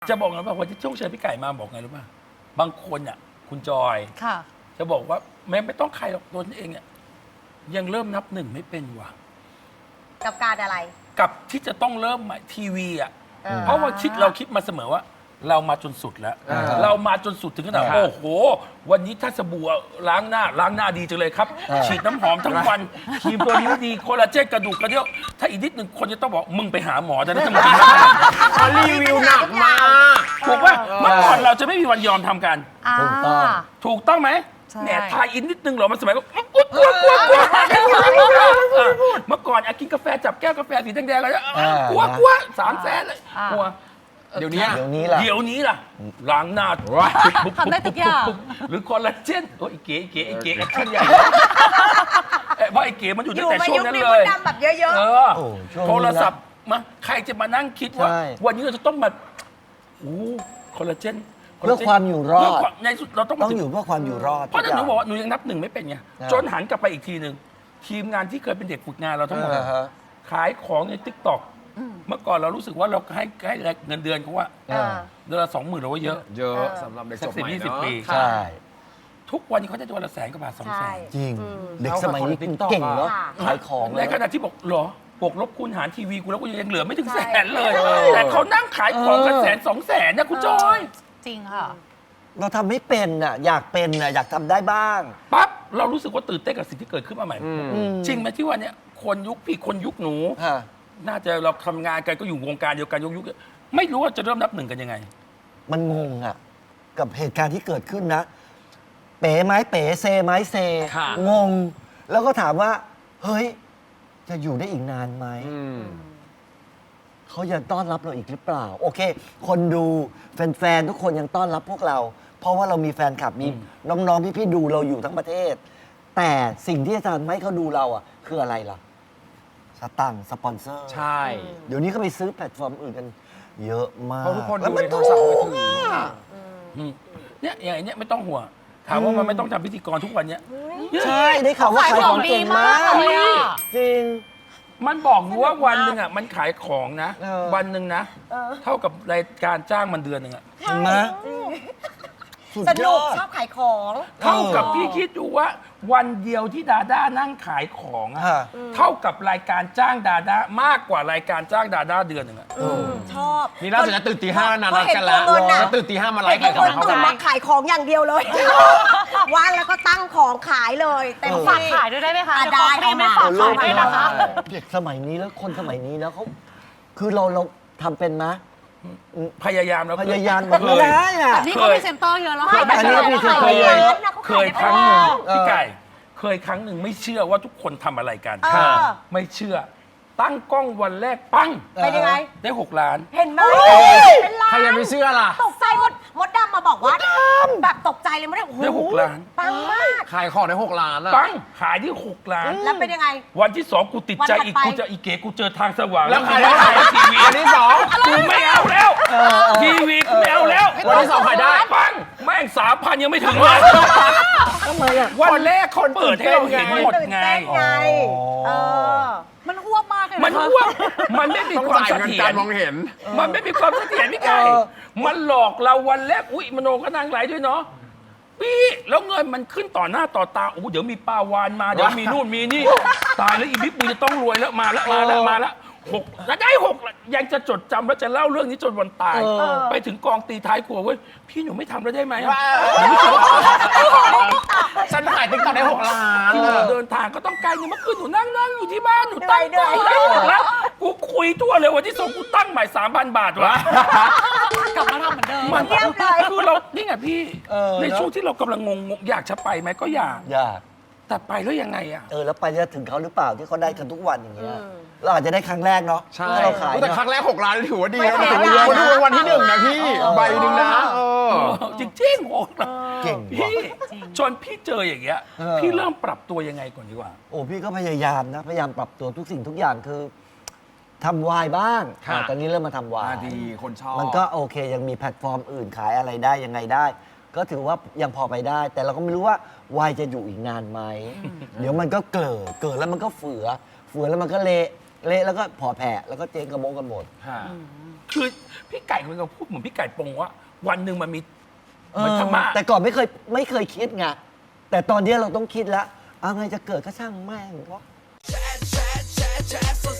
จะบอกนะว่าวันที่โชคชัยพี่ไก่มาบอกไงรู้ป่ะบางคนอ่ะคุณจอยค่ะจะบอกว่าแม้ไม่ต้องใครหรอกตัวเองอ่ะยังเริ่มนับหนึ่งไม่เป็นว่ะกับการอะไรกับที่จะต้องเริ่มใหม่ทีวีอ่ะเออเพราะว่าเราคิดมาเสมอว่า เรามาจนสุดแล้ว เรามาจนสุดถึงขนาดโอ้โห วันนี้ถ้าสบู่ล้างหน้าดีจังเลยครับ ฉีดน้ำหอมทั้งวันครีมตัวนี้ดีคอลลาเจนกระดูกกระเดี่ยวถ้าอีกนิดหนึ่งคนจะต้องบอกมึงไปหาหมอแต่ถ้ามึงกินแล้วรีวิวหนักมากถูกป่ะเมื่อก่อนเราจะไม่มีวันยอมทำกันถูกต้องถูกต้องไหมใช่แหมทายอินนิดนึงเหรอมันสมัยก็กลัวเมื่อก่อนกินกาแฟจับแก้วกาแฟสีแดงๆเลยกลัว300,000เลยกลัวเดี๋ยวนี้เดี๋ยวนี้ล่ะล้างหน้าทำได้ทุกอย่างหรือคอลลาเจนโอ้ยเก๋แอคชั่นใหญ่เพราะไอ้เก๋มันอยู่ตั้งแต่ช่วงนั้นเลยดำแบบเยอะโทรศัพท์มาใครจะมานั่งคิดว่าใช่วันนี้เราจะต้องมาคอลลาเจนเพื่อความอยู่รอดในสุดเราต้องต้องอยู่เพื่อความอยู่รอดเพราะฉะนั้นหนูบอกว่าหนูยังนับหนึ่งไม่เป็นไงอ่าจนหันกลับไปอีกทีหนึ่งทีมงานที่เคยเป็นเด็กฝึกงานเราทั้งหมดอ่าฮะขายของในทิกตอกเมื่อก่อนเรารู้สึกว่าเราให้เงินเดือนเขาว่าๆเออเดือนละ20,000เราว่าเยอะเยอะสำหรับเด็กจบใหม่สัก10-20 เนาะปีใช่ทุกวันนี้เขาจะวันละ100,000 กว่าบาทใช่ 200,000 จริงอืมเด็กสมัยนี้เอาของเก่งเนาะค่ะขายของในแล้วขณะที่บอกเหรอบวกลบคูณหารทีวีกูแล้วกูยังเหลือไม่ถึงใช่ 100,000เลย แต่เขานั่งขายของกัน100,000-200,000นะคุณจอยจริงค่ะเราทำไม่เป็นน่ะอยากเป็นน่ะอยากทำได้บ้างปั๊บเรารู้สึกว่าตื่นเต้นกับสิ่งที่เกิดขึ้นมาใหม่อืมจริงไหมที่ว่าเนี่ยคนยุคพี่คนยุคหนูฮะน่าจะเราทำงานกันก็อยู่วงการเดียวกันยุคไม่รู้ว่าจะเริ่มนับหนึ่งกันยังไงมันงงอ่ะ กับเหตุการณ์ที่เกิดขึ้นนะ เป๋ไม้เป๋เซไม้เซค่ะงง แล้วก็ถามว่า เฮ้ย จะอยู่ได้อีกนานไหมอืมเขายังต้อนรับเราอีกหรือเปล่า โอเค คนดูแฟนๆทุกคนยังต้อนรับพวกเรา เพราะว่าเรามีแฟนคลับมีน้องๆพี่ๆดูเราอยู่ทั้งประเทศ แต่สิ่งที่จะทำให้เขาดูเราอ่ะ คืออะไรล่ะสตังค์สปอนเซอร์ใช่เดี๋ยวนี้เขาไปซื้อแพลตฟอร์มอื่นกัน เยอะมากเพราะทุกคนแล้วดูมันในโทรศัพท์มือถืออืมเนี่ยอย่างไอ้เนี่ยไม่ต้องห่วงถามว่ามันไม่ต้องทำพิธีกรทุกวันเนี้ยใช่ได้ข่าวว่าขายของเก่งมากขายของดีมากเลยอะจริงมันบอกอยู่ว่าวันหนึ่งอ่ะมันขายของนะเออวันหนึ่งนะ เท่ากับรายการจ้างมันเดือนหนึ่งอ่ะเห็นไหมสุดสยนุอก ดชอบขายของเท่ากับพี่คิดดูว่า วันเดียวที่ดาด้านั่งขายของอะฮะเท่ากับรายการจ้างดาด้ามากกว่ารายการจ้างดาด้าเดือนหนึ่งอ่ะชอบนี่ล่าสุดจะตื่นตีห้านานรักกันแล้วพอเห็นตัวเงินน่ะจะตื่นตีห้ามาไลเห็นฟ์คขายของเขานตื่นมาขายของอย่างเดียวเลย ว่างแล้วก็ตั้งของขายเลยเต็มฝากที่ขายด้วยได้ไหมคะอ่ะเดี๋ยวขอได้ฟรีไม่เอามาฝากขายด้วยนะคะเด็กสมัยนี้แล้วคนสมัยนี้แล้วเขาคือเราทำเป็นไหมพยายามแล้วพยายามเคไม่ยได้อะแต่นี่ก็มีเซ็นเตอร์เยอะแล้วเคยค่ะอันนี้มีเซ็นเตอร์เคยนะเขาเคขายยได้ครั้งหนึ่งเออพี่ไก่ เคยครั้งหนึ่งไม่เชื่อว่าทุกคนทำอะไรกันเออไม่เชื่อ ตั้งกล้องวันแรกปังเป็นยังไงได้6 ล้านเห็นไหมเป็นล้านใครจะไม่เชื่อล่ะตกใจมดดำมาบอกว่าแบบตกใจเลยมดดำโอ้โหได้6 ล้านปังมากขายของได้6 ล้านอะปังขายที่6 ล้านแล้วเป็นยังไงวันที่ 2 กูติดใจอีกวันถัดไปกูจะอีเก๋กูเจอทางสว่างแล้วขายกูได้ไม่เท่าไหร่ขายทีวีอันที่สองกูไม่เอาแล้วทีวีกูไม่เอาแล้ววันที่ 2ขายได้ปังแม่ง3,000 ยังไม่ถึงเลยทำไมอ่ะวันแรกเขาเปิดให้เราเห็นหมดตื่นไงเต้นไง เออมันอ้วกมากเลยมันนะคะอ้วกมันไม่มีต้องความจ่ายเสเงินถียการ รมองเห็นมันไม่มีความเสถียรพี่ไก่เออมันหลอกเราวันแรก อุ๊ยมโนก็นางไหลด้วยเนาะ พี่แล้วเงินมันขึ้นต่อหน้าต่อตา โอ้โหเดี๋ยวมีปลาวานมา เดี๋ยวมีนู่นมีนี่ ตายแล้วอีบิ๊กมึงจะต้องรวยแล้วมาแล้ว6แล้วได้6ยังจะจดจำแล้วจะเล่าเรื่องนี้จนวันตาย ไปถึงกองตีท้ายครัวเว้ย พี่หนูไม่ทำแล้วได้ไหมอะฉันขายติ๊กต็อกได้6 ล้านเดินทางก็ต้องไกลเนี่ยเมื่อคืนหนูนั่งอยู่ที่บ้านหนูตั้งกล้องได้6 ล้านกูคุยทั่วเลยวันที่ 2กูตั้งใหม่ 3,000 บาทวะกลับมาทำเหมือนเดิมมันเยี่ยมเลยคือเรานี่ไงพี่เออในช่วงที่เรากำลังงงอยากจะไปไหมก็อยากอยากแต่ไปแล้วยังไงอ่ะแล้วไปจะถึงเขาหรือเปล่าที่เขาได้กันทุกวันอย่างเงี้ยเราอาจจะได้ครั้งแรกเนาะใช่ถ้าเราขายแต่เนอะครั้งแรก6 ล้านถือว่าดีไม่นะแพงถือว่านะคนดูวันที่ 1นะพี่ ใบหนึ่งนะเออจริงๆโอ้โหเก่งว่ะพี่จนพี่เจออย่างเงี้ยเออพี่เริ่มปรับตัวยังไงก่อนดีกว่าโอ้พี่ก็พยายามนะ พยายามปรับตัวทุกสิ่งทุกอย่างคือทำวายบ้างค่ะตอนนี้เริ่มมาทำวายดีคนชอบมันก็โอเคยังมีแพลตฟอร์มอื่นขายอะไรได้ยังไงได้ ก็ถือว่ายังพอไปได้ แต่เราก็ไม่รู้ว่าวายจะอยู่อีกนานไหม เดี๋ยวมันก็เกิดแล้วมันก็เฟือแล้วมันก็เละแล้วก็พอแผ่แล้วก็เจ๊งกระโมงกันหมดค่ะคือพี่ไก่มันก็พูดเหมือนพี่ไก่ปงว่าวันหนึ่งมันมีเหมือนธรรมะแต่ก่อนไม่เคยคิดไงแต่ตอนนี้เราต้องคิดแล้วเอาไงจะเกิดก็ช่างแม่งวะ